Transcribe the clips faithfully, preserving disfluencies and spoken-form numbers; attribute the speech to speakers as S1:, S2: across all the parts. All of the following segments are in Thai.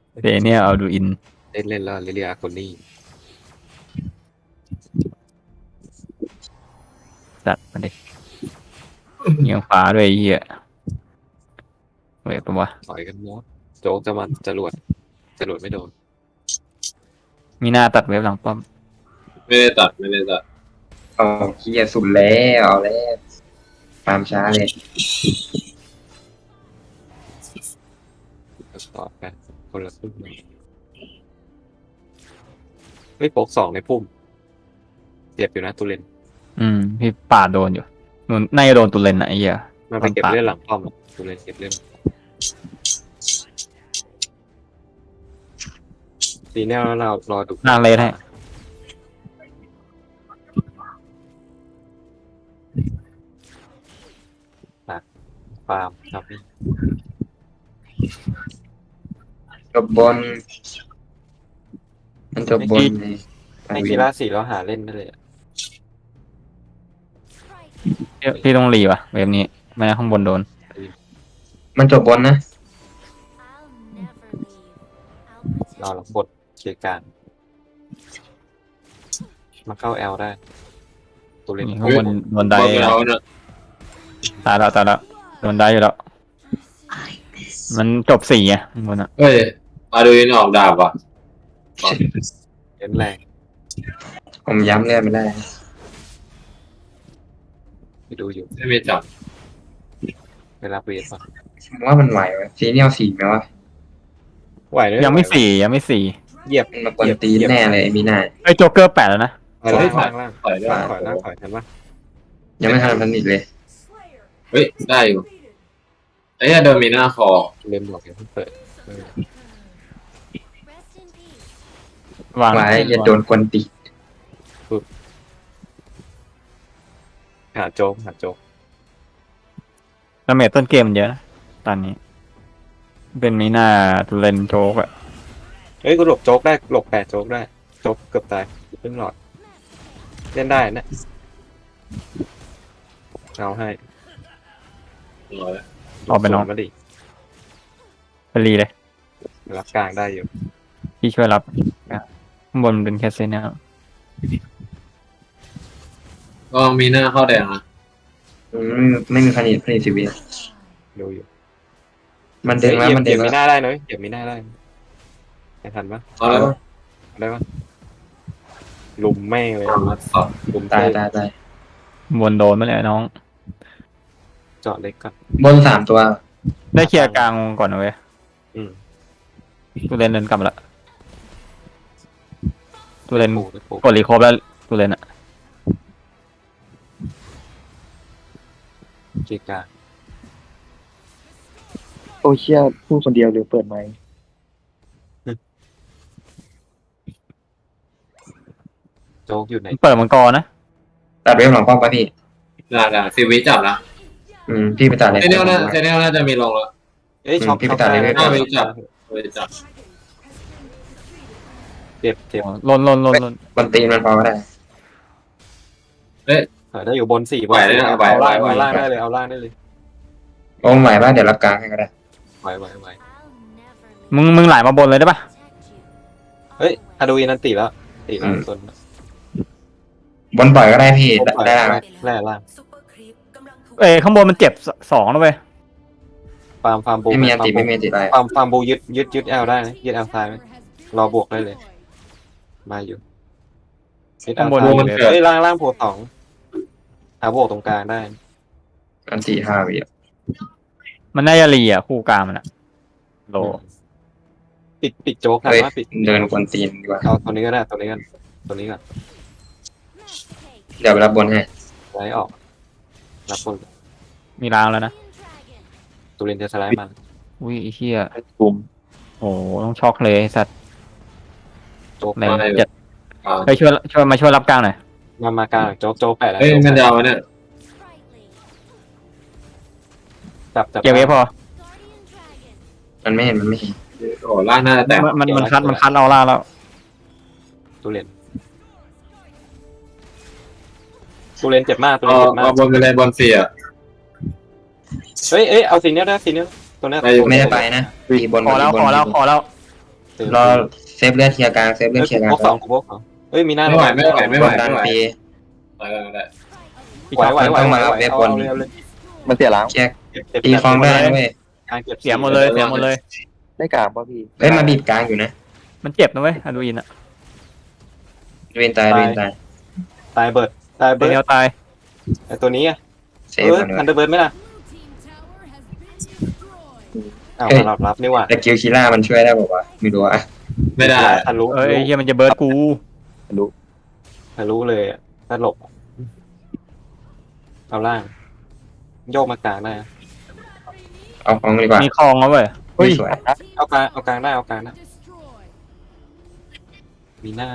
S1: เดเนี่ยเอาดูอิน
S2: เล่นเล่นแล้วลิเลียคนนี้
S1: จัดมาดิเงียงฟ้าด้วยไอ้เหี้ยเว้ยปะวะ
S2: ต่อยกันมดโจ๊กจะมาจรวดจรวดไม่โดน
S1: มีหน้าตัดเว็บหลังป้อม
S3: ไม่ได้ตัดไม่ได้ตัด
S4: เอาเคียสุดแล้วเอาแล้วตามช้าเลย
S2: ก็ต่อกันคนละครึ่งเฮ้ยโป๊กสองในพุ่มเจ็บอยู่นะตุเลน
S1: อืมพี่ป่าโดนอยู่นู่นน่าจะโดนตุเลนนะไอ้เหี้ย
S2: มาไปเก็บเลือดหลังป้อมอะตุเลนเก็บเลือดตีแนวแล้วเรารอดู
S1: นางเลนให้
S2: ฟาร์มครับพี่
S4: จบบน มันจบบนใน
S2: ในกีฬาสีเราหาเล่นได้เลยอะ
S1: พี่พี่ต้องรีว่ะเว็บนี้ไม่งั้นข้างบนโดน
S4: มันจบบนนะ
S2: เราหลังบทเกียร์การมาเข้าแอลได้ตุเลน
S1: นี่ข้างบนโดนได้
S3: บอลเราเนี่ย
S1: ตายแล้วตายแล้วโดนได้อยู่แล้วมันจบสี่ไงข้างบนอ่ะ
S3: เฮ้ยมาดูยินออกดาบว่ะ
S2: เล่นแรง
S4: ผมย้ำเลือดไม่ได้
S2: ไปดูอยู่
S3: ไม่มีจับ
S2: เวลาเวทป่ะ
S4: ผมว่ามันไหววะซีเนียลสี่ไหมวะ
S2: ไหวเลย
S1: ยังไม่สี่ยังไม่สี่
S2: เหยียบ
S4: มันมากวนตีนแน่เลยไอ้มีนา
S1: ไอ้โจ๊กเกอร์แปดแล้วนะ
S2: ถอยล่างล่างล่าง
S3: ถอยได้
S2: ถอยล่างถอยทันปะ
S4: ยังไม่ทันพันอีกเลย
S3: เฮ้ยได้อยู่ไอ้เนี่ยโดมิน่าคอ
S2: เล่นบอกอย่าเพิ่งเปิดเออ
S1: วาง
S4: ไว้อย่าโดนกวนตีน
S2: หาโจ๊กหาโจ๊ก
S1: ดาเมจต้นเกมมันเยอะนะตอนนี้ เป็นมีหน้าตุเลนโจ๊กอะ
S2: เฮ้ยกูหลบโจ๊กได้หลบแปดโจ๊กได้โจ๊กเกือบตายเพิ่งหลอดเล่นได้นะเอาให้
S3: ร้อย
S1: ออกไปน้อง
S2: มาดิ
S1: ไปรีเลย
S2: รับกลางได้อยู่
S1: พี่ช่วยรับข้างบนมันเป็นแคสเซนนะครับ
S3: ก็มีหน้าเข้าแดงนะ
S4: อืมไม่มีพันอีกพันอีกสิบวิ
S2: ดูอยู่
S4: มันดึงแล้วมันดึ
S2: เดี๋ย
S4: ง
S2: วมี
S4: แล้ว
S2: หน้าได้เนอะเดี๋ยวมีหน้าได้ไม่ทันปะ
S3: เอาแล้ว
S2: ได้ปะลุมแม่งเลย
S3: มาสอบ
S2: ลุม
S4: ตาย
S2: เต้
S4: ตายตาย
S1: บนโดนมาเลยน้อง
S2: เจาะเล็กก่อน
S4: บนสามตัว
S1: ได้เคลียร์กลางก่อนนะเว้ย
S2: อืม
S1: ตุเลนเดินกลับมาละตุเลน
S2: ปูไปปู
S1: กดรีโคบแล้วตุเลนอะ
S2: จีกลาง
S5: โอเชียพูดคนเดียวหรือเปิดไมค์
S2: โจ๊กอยู่ไหน
S1: เปิดมังกรนะ
S4: ตัดเวฟหลังป้อมปะพี่
S3: ได้ได้สิบวิจับนะ
S4: อืมพี่ไปตัดเลย
S3: เซเนียลน่าเซเนียลน่าจะมีลงแล้ว
S2: เอ้ยช็อป
S4: พี่
S2: ช็อป
S4: ไปตัดเลย
S2: ได้
S3: ห้าวิจับไปจับ
S2: เจ็บเจ็บ
S1: ลนลนลนลน
S4: กวนตีนมันพอก็ได้
S3: เฮ้ย
S2: เออได้อยู่บนสี่บ
S3: ไหวน เลยนะ
S2: เอา
S3: ไหว
S2: ล่าง
S3: ไหว
S2: เอาล่าง
S3: ไหว
S2: ได้เลยเอาล่างได้เลย
S4: โอ้ไหวป่ะเดี๋ยวรับกลางให้ก็ได้
S2: ไหวไหวไหว
S1: มึงมึงไหลมาบนเลยได้ปะ
S2: เฮ้ยฮาโดวีนันตีแล้วตีแล้วส่วน
S4: บนปล่อยก็ได้พี่ได้ได้ไหม
S2: แร่ล่าง
S1: เอ้ยข้างบนมันเจ็บสสองแล้วเว้ย
S2: ฟาร์มฟาร์มบู
S4: ไม่มีอันติไม่มีอันติอะไร
S2: ฟาร์มฟาร์มบูยึดยึดยึดแอลได้นะยึดแอลซ้ายไหมรอบวกได้เลย มาอยู่ยึดแอลซ้ายอยู่เฮ้ยล่างล่างโผล่สองหาบวกตรงกลางได้
S4: อันติห้าวิอะ
S1: มันน่าจะรีอ่ะคู่กลางมันอะโล
S2: ปิดปิดโจ๊กทัน
S4: เฮ้ย
S2: ว่าปิด
S4: เดินกวนตีนดีกว่า
S2: เอาตัวนี้ก็ได้ตัวนี้กันตัวนี้ก่อน
S4: เดี๋ยวไปรับบนให้
S2: ไล่ออกรับคน
S1: มีรางแล้วนะ
S2: ตูเรนจะสไลด์มัน
S1: อุ้ยไอ้เหี้ย
S5: กลุ่ม
S1: โอ้โหต้องช็อกเลยไอ้สัตว์
S2: โจ๊ก
S1: แรง
S3: ไม่
S1: จัด
S3: อ่า
S1: ไปช่วยช่วยมาช่วยรับกลางหน่อย
S2: มามากลางโจ๊กโจ๊กแปดแล้ว
S3: เฮ้ยมันยาวเนี่ย
S2: จับจับ
S1: เก็บไว้พอ
S4: มันไม่เห็นมันไม่เห็น
S3: โอ้ล่างหน้าแตก
S1: มันมันมันคัดมันคัดเอาล่าแล้ว
S2: ตูเรนตูเรนเจ็บมากตูเร
S3: เอา
S2: นเจ็บมา
S3: เอา
S2: ก
S3: บนไปเลยบนเสีย
S2: เฮ้ยเอ้ยเอาสีเนี้ยได้สีเนี้ยตัวเนี้ย
S3: ได้อยู่
S4: ไม่ได้ไปนะพี่บน
S1: ขอแล้ว
S4: บน
S1: ขอแล้วขอแล้ว
S2: ต็ม
S4: รอเซฟเลือดเคลียร์กลางเซฟเลือด
S2: เฮ้ย
S4: เคลียร์กลาง
S2: พกสองพกสองเฮ้ยมีหน้า
S3: ไม่ไหวไม่ไหวไม่ไหว
S4: บนดันฟรี
S3: ไปกันได้
S1: พี่
S2: ไหว
S1: ช็อก
S2: ไหวไหว
S4: ต้อง
S2: ไหว
S4: มารับ
S2: ไหว
S4: เว็บ
S2: เอา
S4: บน
S2: เอาเลยเอาเลย
S5: มันเสียล้าง
S4: เคลียร์
S2: เก็บเก็บ
S4: ตีคลองได้นะเว้ย
S2: กลางเก็บ
S1: เสียหมดเลยเสียหมดเลย
S5: ได้กลางป่ะพี่
S4: เอ้ยมาบีบกลางอยู่นะ
S1: มันเจ็บนะเว้ยอดูอินอะ
S4: เวนตายเวนตาย
S2: ตายเบิร์ดตาย
S1: เด
S2: เบิร์ด
S1: นเนลตาย
S2: ไอตัวนี้อ่ะ
S4: เซ
S2: เอ
S4: ฟ
S2: อ
S4: มัน
S2: ทัน
S4: เลย
S2: เดอร์เบิร์ดไหมล่ะอ้าวสลับรับนี่หว่า
S4: แต่คิวคิล่ามันช่วยได้บอกว่าวะไม่รู้อะ
S3: ไม่ได้
S2: ทะลุ
S1: เอ้ยเฮียมันจะเบิร์ดกู
S5: รู้
S2: ทะลุเลยอะถ้าหลบเอาล่าง โยกมากลางได้นะ
S4: เอาของดีกว่า
S1: มีคลองแล้วเว้ย
S5: เฮ้ย
S4: สวย
S2: เอากลางเอากลางได้เอากลางได้มีหน้า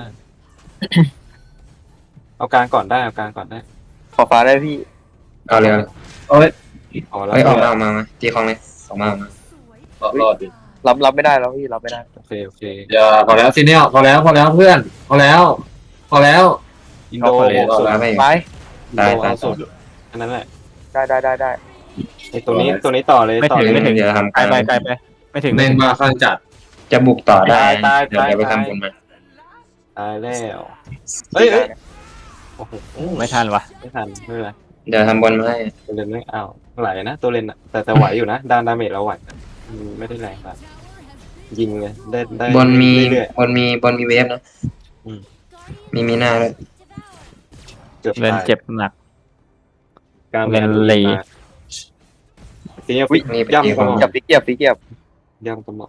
S2: เอากลางก่อนได้เอากลางก่อนได้
S5: ขอฟ้าได้พี่
S4: เอาเลย
S3: โอ้ย
S2: เอาแล้ว
S4: เอ้ยออกมาออกมามาตีคลองเลยออกมาออกมา
S3: รอดดิ
S5: รับรับไม่ได้แล้วพี่รับไม่ได้
S2: โอเคโอเค
S3: อย่าพอแล้วซีเนียพอแล้วพอแล้วเพื่อนพอแล้ว พอแล้ว
S2: อินโด
S3: เอาไปเลย
S2: สุด
S4: เอาไป
S5: ไป
S2: อินโดเอาสุดอันนั้นแหละ
S5: ได้ได้ได้ได้
S2: ไอตัวนี้ตัวนี้ต่อเลย
S1: ไม่
S2: ต่อ
S1: ถึง
S2: เลย
S1: ไม่ถึง
S4: เดี๋ยวทำ
S1: ไกล
S4: กลาง
S1: ไปไกลไปไม่ถึง
S3: เน่นมาข้างจัด
S4: จะบุกต่อได้
S2: ตายตาย
S4: เดี๋ยว
S2: ตาย
S4: เดี๋ยวไป
S2: ตาย
S4: ทำบนมา
S2: ตายแล้วเฮ้ยเฮ้ยโอ้โห
S1: ไม่ทันวะ
S2: ไม่ทันไม่เป็นไร
S4: เดี๋ยวทำบนมาให้
S2: ตัวเลนไม่เอาไหลนะตัวเลนอะแต่แต่ไหวอยู่นะดานดาเมจเราไหวนะอืมไม่ได้แรงครับยิงเลยได้ได้
S4: บนมี
S2: เรื่อย
S4: บนมีบนมีเวฟนะ
S2: อืม
S4: มีมีหน้าด้วย
S2: ๆเกือบ
S1: เล่น
S2: ตาย
S1: เจ็บหนัก
S2: กลาง
S1: เล่นลี
S2: ทีนี้ฟิก
S4: มีไป
S2: ย่ำ
S4: ตี
S2: ก
S4: ค
S2: ระ
S4: ล
S2: ห
S4: อง
S2: ม่อม
S5: จับตีเกียบตีเกียบ
S2: ย่ำกระหม่อม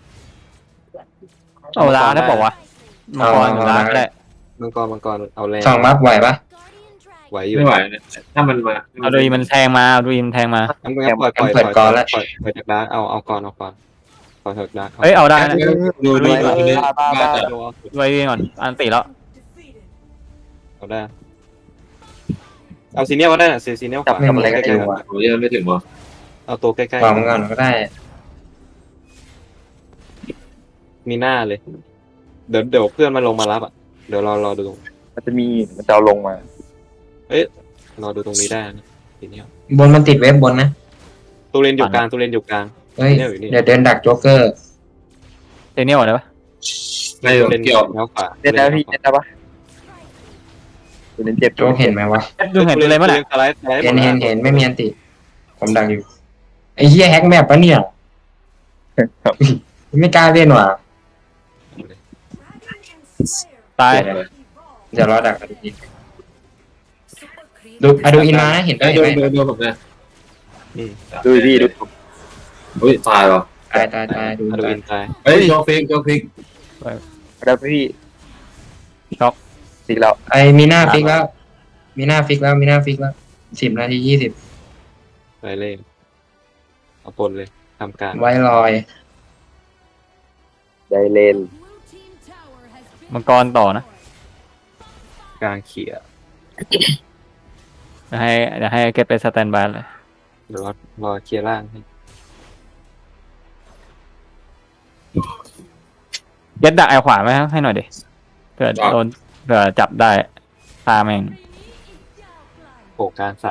S1: เอาล้างได้บอกว่าวะมังกรล้างก็ได้
S2: มังกรมังกรเอาแรง
S4: สองบัฟไหวปะ
S2: ไหวอยู่
S3: ไม่ไหวเนี่ยถ้ามันมา
S1: เอาดูอินมันแทงมาเอาดูอินมันแทงมา
S2: งั้นงั้นปล่อยปล่อย
S4: เปิด
S2: ปล่อย
S4: ก่อนแล้ว
S2: ปล่อยปล่อยจากดาร์กเอาเอาก่อนเอาก่อนปล่อยจากดาร์ก
S1: เอ้ยเอาได้นะ
S3: ดูดูดูดูดูมาจัด
S2: เอาเอา
S1: ดูไอ้ก่อนอันติแล้ว
S2: เอาได้เอาซีเนียลก็ได้นะซีซีเนียลขวา
S4: จับไม่หมดเลยก็
S2: ใก
S4: ได้
S2: ล้ๆ
S4: ว่ะ
S3: ผมยังไม่ถึงวะ
S2: เอาตัวใกล้
S4: วางมันก่อนก็ได้
S2: ๆมีหน้าเลย เดี๋ยวเดี๋ยวเพื่อนมาลงมารับอ่ะเดี๋ยวรอรอดูตรง
S5: มันจะมีมันจะเอาลงมา
S2: รอดูตรงนี้ได้นะซีเนียล
S4: บนมันติดเวฟบนนะ
S2: ตัวเลนอยู่กลางตัวเลนอยู่กลาง
S4: เฮ้ย
S2: เนี่ยอยู่นี่
S4: เดี๋ยวเดินดักโจ๊กเกอร์
S1: เดนเนียลได้ปะ
S3: ไม่
S2: ตัวเลน
S3: เกี่ยว
S2: แล้วขวา
S5: เล่นได้พี่เล่นได้ปะตัวนี้เจ็บ
S4: โจ๊กเห็นไหมวะ
S1: ดูเห็นเลยมั้ย
S2: เล
S1: น่ะ
S2: นสไลด์สไลด์
S4: เห็นเห็นเห็นไม่มีอันติ ผมดักอยู่ ไอ้เหี้ยแฮกแมปปะเนี่ย ไม่กล้าเล่นว่ะ
S1: ตาย
S4: เดี๋ยวรอดักอดูอินดูอดูอินมานะเห็น
S3: ไอ้
S4: เห็น
S3: ดู
S4: ไหม
S3: ดูดูผมเนี่ย
S5: ดูพี่ดู
S3: อุ้ยตายเหรอ
S4: ตายตายตายดู
S2: อะดู
S4: ตาย
S2: อินตาย
S3: เฮ้ยโจฟิกโจฟิก
S5: ได้พี่
S1: ช็อก
S5: สิแล้ว
S4: ไอ้มีหน้าฟิกแล้ว มีหน้าฟิกแล้วมีหน้าฟิกแล้วสิบนาทียี่สิบ
S2: ไปเล่นเอาปนเลยทำการ
S4: ไว้ลอย
S5: ได้เล่น
S1: มังกรต่อนะ
S2: กลางเขี่ย
S1: เดี๋ยวให้เดี๋ยวให้เก็บไปสแตนบายเลย
S2: เดี๋ยวรอรอเคลียร์ล่างให้
S1: เก็ตดักไอขวาไหมให้หน่อยดิเผื่อโดนเผื่อจับได้ตาแม่ง
S2: โผล่กลางสาม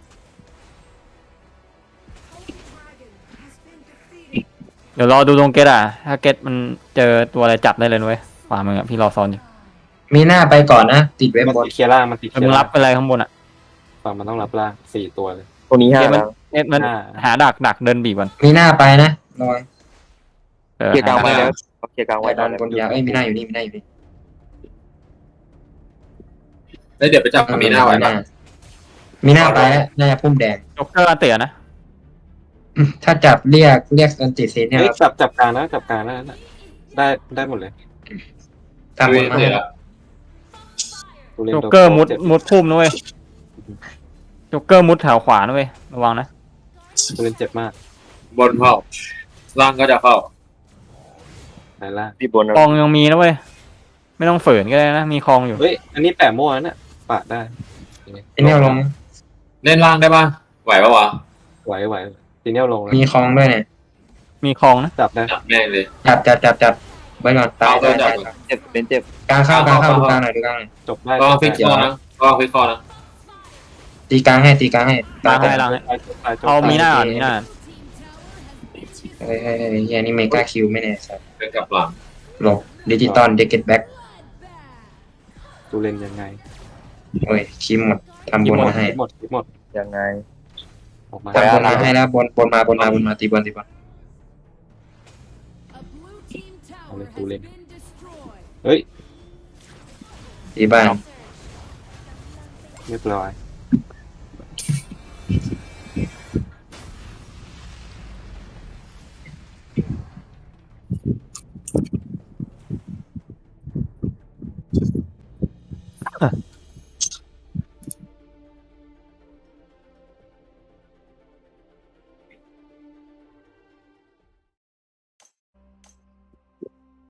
S1: เดี๋ยวรอดูตรงเกตอ่ะ ถ้าเกตมันเจอตัวอะไรจับได้เลยนะเว้ยขวามืออะพี่รอซ้อนอยู่
S4: มีหน้าไปก่อนนะ ติดเว็บ
S2: มัน
S4: บน
S2: ติดเคลียร์ล่างมันติดเค
S1: แล้ว
S2: ลีย
S1: มึง
S2: ร์
S1: รั
S2: ล่า
S1: บ
S2: ง
S1: ไปอะไรข้างบนอ่ะ
S2: ฝั่งมันต้องรับล่างสี่ตัวเลย
S5: ตัวนี้ห้า
S1: เกตมัน
S5: แล้ว
S1: เกตมัน
S2: ห้า
S1: หาดักดักเดินบีบก่อน
S4: มีหน้าไปนะลอย
S1: เออ
S5: เคลียร์กลาง
S1: หา
S5: ไว้
S1: ดัก
S5: แล้วเคลียร์กลาง
S4: ไว้
S5: ไว้
S4: ต
S5: ได้
S4: อน
S5: แล้ว
S4: บนยาวเอ้ยมีหน้าอยู่นี่มีหน้าอยู่นี่
S3: แล้วเดี๋ยวไปจับมีหน้าไว้นะ
S4: มีหน้าไปแล้วน่าจะพุ่มแดง
S1: จ็อกเกอร์อันเตะนะ
S4: อืมถ้าจับเรียกเรียกอันติเซนเนี่ย
S2: เฮ้ยจับจับกลางนะจับกลางนะนะได้ได้หมดเลย
S4: ทำบนมา
S3: เดี๋ยวละ
S2: ตัวเลน
S1: จ็อก
S2: โดน
S1: เกอร์มุด
S2: จ็บ
S1: มุดพุ่มนะเว้ยจ็อกเกอร์มุดแถวขวานะเว้ยระวังนะ
S2: ตัวเลนเจ็บมาก
S3: บนเข้าล่างก็จะเข้า
S2: ไหนล่าง
S5: พี่บน
S1: คลองยังมีนะเว้ยไม่ต้องฝืนก็ได้นะมีคลองอยู่
S2: เฮ้ยอันนี้แปะมั่วนะเนี่ยปะได้
S4: ไอ้เนี่ยลง
S3: เล่นล่างได้ป่ะไหวปะวะ
S2: ไหวไหวทีเนี้ยลงแล้ว
S4: มีคลองด้วยเนี่ย
S1: มีคลองนะ
S2: จับได้
S3: จับแม่งเลย
S4: จับจับจับจับไว้ก่อนตาย
S3: เอา
S4: ตาย
S3: จั
S4: ตา
S3: บ
S4: ย
S5: เจ็บเป็นเจ็บ
S4: กลางเข้ากลางเข้าดูกลางหน่อยดูกลางหน่อย
S2: จบได้
S3: ก็ฟิกคอนะก็ฟิกคอนะ
S4: ตีกลางให้ตีกลางให้
S1: ล้างให้ล้างให้ เอามีหน้าก่อนมีหน้า
S4: เฮ้ยเฮ้ยเฮ้ยเฮ้ยนี่เมกาคิวไม่แน่สัส
S3: เป็นกับหลัง
S4: หลบดิจิตอลเดกเก็ตแบ็ก
S2: ตูเลนยังไง
S4: โอ้ยคีมหมดทำบนมาให้
S2: คิดหมดคิดหมด
S5: ยังไง
S2: ออกมา
S4: ทำบนมาให้แล้วบนบนมาบนมาบนมาตีบอลตีบอล
S2: เอาเลยตูเลนเฮ้ย
S4: ตีบ้าน
S2: เรียบร้อย